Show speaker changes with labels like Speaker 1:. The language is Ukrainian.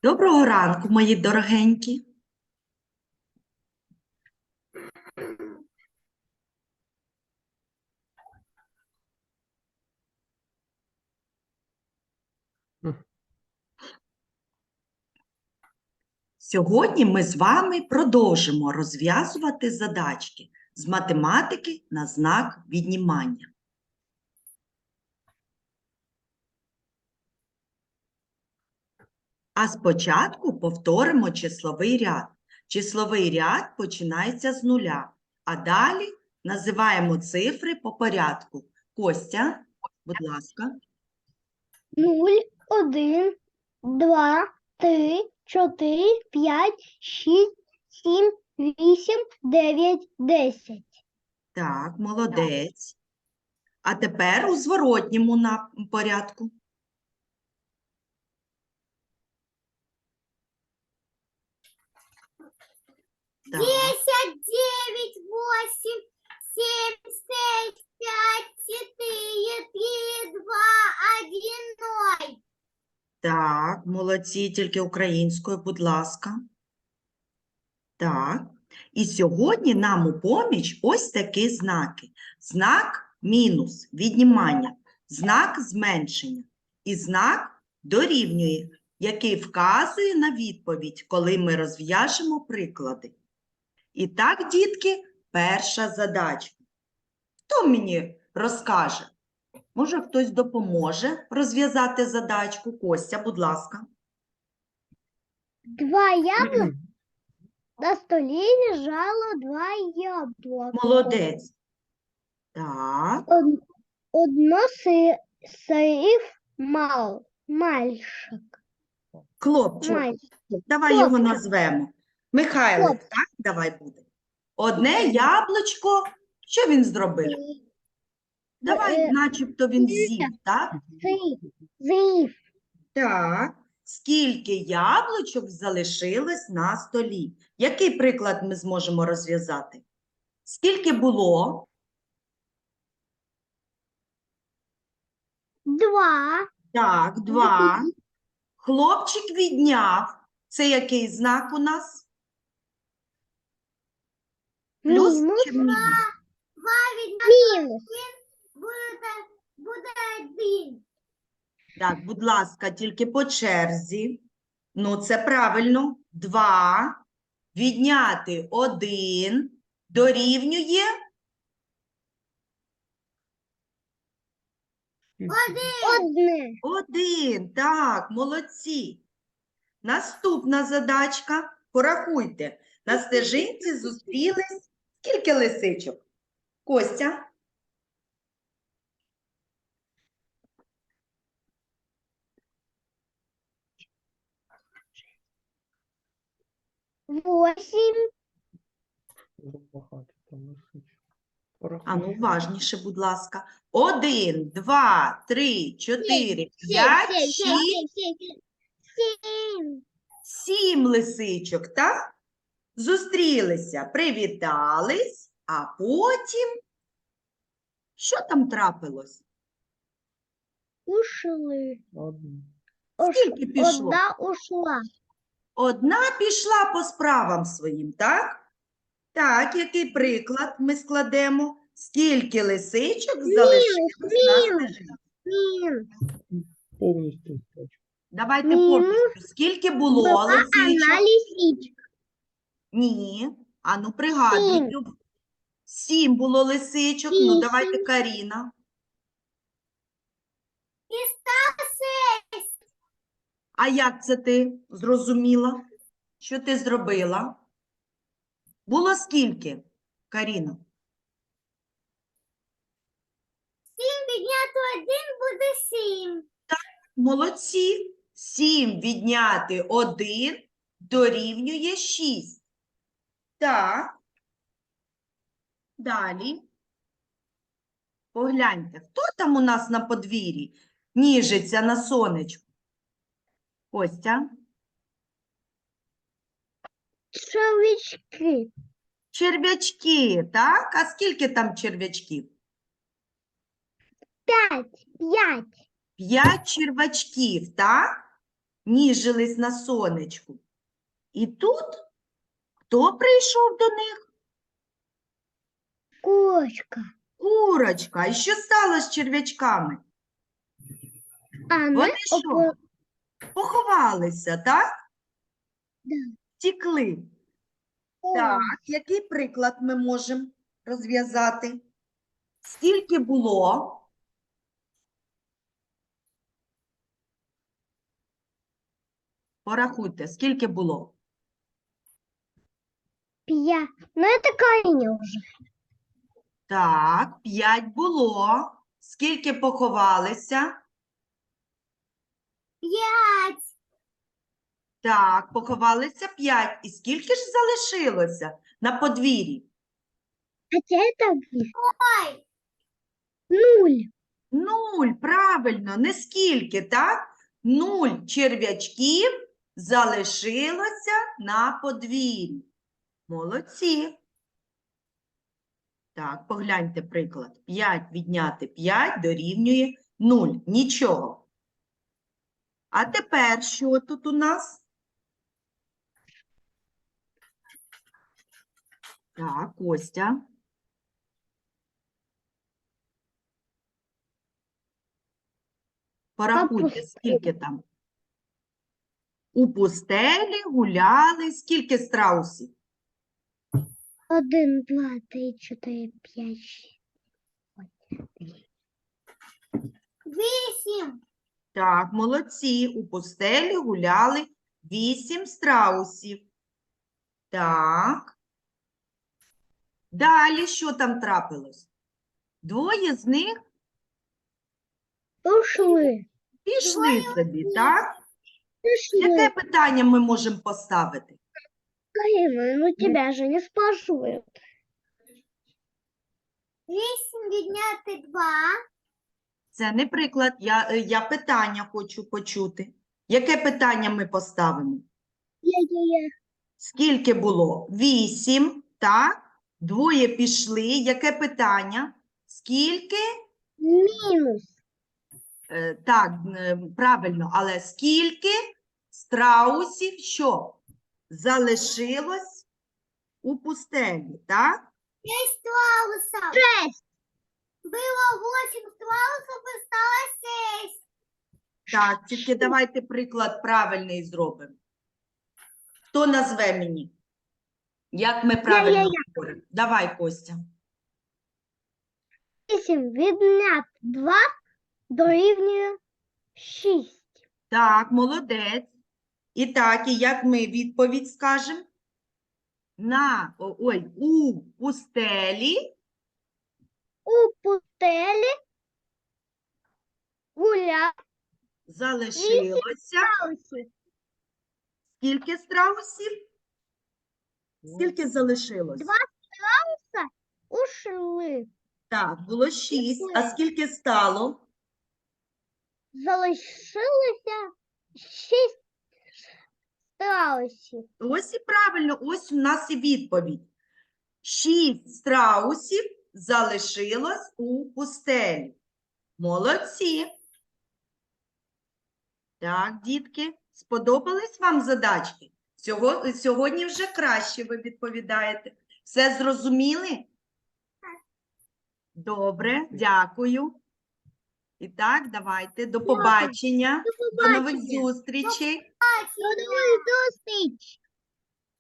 Speaker 1: Доброго ранку, мої дорогенькі. Сьогодні ми з вами продовжимо розв'язувати задачки з математики на знак віднімання. А спочатку повторимо числовий ряд. Числовий ряд починається з нуля, а далі називаємо цифри по порядку. Костя, будь ласка.
Speaker 2: 0, 1, 2, 3, 4, 5, 6, 7, 8, 9, 10.
Speaker 1: Так, молодець. А тепер у зворотньому порядку. Так.
Speaker 2: 10, 9, 8, 7, 6, 5, 4, 3, 2, 1, 0.
Speaker 1: Так, молодці, тільки українською, будь ласка. Так. І сьогодні нам у поміч ось такі знаки. Знак мінус – віднімання, знак зменшення і знак дорівнює, який вказує на відповідь, коли ми розв'яжемо приклади. І так, дітки, перша задачка. Хто мені розкаже? Може, хтось допоможе розв'язати задачку? Костя, будь ласка.
Speaker 2: 2 яблука. На столі лежало 2 яблука.
Speaker 1: Молодець. Так.
Speaker 2: Одно сирів мальчик.
Speaker 1: Хлопчик. Давай його назвемо. Михайлик, так? Давай буде. Одне яблучко. Що він зробив? Давай, начебто він з'їв, так?
Speaker 2: З'їв.
Speaker 1: Так. Скільки яблучок залишилось на столі? Який приклад ми зможемо розв'язати? Скільки було?
Speaker 2: 2.
Speaker 1: Так, 2. Хлопчик відняв. Це який знак у нас? Плюс
Speaker 2: Мінус.
Speaker 1: чи мінус?
Speaker 2: Мінус. Буде 1.
Speaker 1: Так, будь ласка, тільки по черзі. Ну, це правильно. 2. Відняти 1 дорівнює
Speaker 2: 1.
Speaker 1: 1. Так, молодці. Наступна задачка. Порахуйте. На стежинці зустрілись скільки лисичок? Костя?
Speaker 2: 8.
Speaker 1: А ну, уважніше, будь ласка. 1, 2, 3, 4, 5, 6,
Speaker 2: 7.
Speaker 1: 7 лисичок, так? Зустрілися, привітались, а потім що там трапилось?
Speaker 2: Ушли.
Speaker 1: Скільки пішло?
Speaker 2: Одна ушла.
Speaker 1: Одна пішла по справам своїм, так? Так, який приклад ми складемо? Скільки лисичок залишилось на стежинці?
Speaker 3: Повністю.
Speaker 1: Давайте
Speaker 2: Мінус
Speaker 1: повністю. Скільки було
Speaker 2: Была
Speaker 1: лисичок?
Speaker 2: она лисичка.
Speaker 1: Ні. А ну пригадуй.
Speaker 2: 7.
Speaker 1: Люб. 7 було лисичок. Ну,
Speaker 2: 8.
Speaker 1: давайте, Каріна.
Speaker 2: И стало 6.
Speaker 1: А як це ти зрозуміла? Що ти зробила? Було скільки, Каріна?
Speaker 2: 7 підняти 1 буде 7.
Speaker 1: Молодці. 7 відняти 1 дорівнює 6. Так. Далі. Погляньте, хто там у нас на подвір'ї ніжиться на сонечку? Костя?
Speaker 2: Червячки.
Speaker 1: Черв'ячки, так? А скільки там черв'ячків?
Speaker 2: 5.
Speaker 1: 5 черв'ячків, так? ніжились на сонечку. І тут хто прийшов до них?
Speaker 2: Курочка.
Speaker 1: Курочка. І що стало з черв'ячками?
Speaker 2: Она
Speaker 1: Вони що? Поховалися, так?
Speaker 2: Да.
Speaker 1: Втікли. Так, який приклад ми можемо розв'язати? Скільки було? Порахуйте, скільки було?
Speaker 2: Пья. Ну это Карине уже.
Speaker 1: Так, 5 було. Скільки поховалися?
Speaker 2: 5.
Speaker 1: Так, поховалися 5. І скільки ж залишилося на подвір'ї?
Speaker 2: Хотя это 0.
Speaker 1: 0, правильно, не скільки, так? 0 черв'ячків залишилося на подвір'ї. Молодці. Так, погляньте приклад. 5 відняти 5 дорівнює 0. Нічого. А тепер що тут у нас? Так, Костя. Порахуйте,
Speaker 2: пустелі.
Speaker 1: скільки там. У пустелі гуляли. Скільки страусів?
Speaker 2: 1, 2, 3, 4, 5, 8.
Speaker 1: Так, молодці. У пустелі гуляли 8 страусів. Так. Далі що там трапилось? Двоє з них
Speaker 2: Ушли.
Speaker 1: пішли собі, так?
Speaker 2: Ушли.
Speaker 1: Яке питання ми можемо поставити?
Speaker 2: Карина, ну тебя же не спрашивают. 8 відняти 2.
Speaker 1: Це не приклад, я питання хочу почути. Яке питання ми поставимо?
Speaker 2: Я.
Speaker 1: Скільки було? 8, так? Двоє пішли. Яке питання? Скільки?
Speaker 2: Мінус.
Speaker 1: Так, правильно, але скільки страусів що? Залишилось у пустелі, так?
Speaker 2: 6 страусов. 6. Было 8 страусов и стало 6.
Speaker 1: Так, тільки давайте приклад правильний зробимо. Хто назве мені? Як ми правильно говоримо? Давай, Костя.
Speaker 2: 8 відняти 2 дорівнює 6.
Speaker 1: Так, молодець. І так, і як ми відповідь скажемо? У пустелі
Speaker 2: У пустелі гуляв
Speaker 1: залишилося
Speaker 2: страусів.
Speaker 1: скільки страусів? Скільки залишилось?
Speaker 2: 2 страуса ушли.
Speaker 1: Так, було 6. А скільки стало?
Speaker 2: Залишилося 6 страусів.
Speaker 1: Ось і правильно, ось у нас і відповідь. 6 страусів залишилось у пустелі. Молодці. Так, дітки, сподобались вам задачки? Сьогодні вже краще ви відповідаєте. Все зрозуміли? Добре, дякую. І так, давайте, до побачення. До нових зустрічей.
Speaker 2: До нових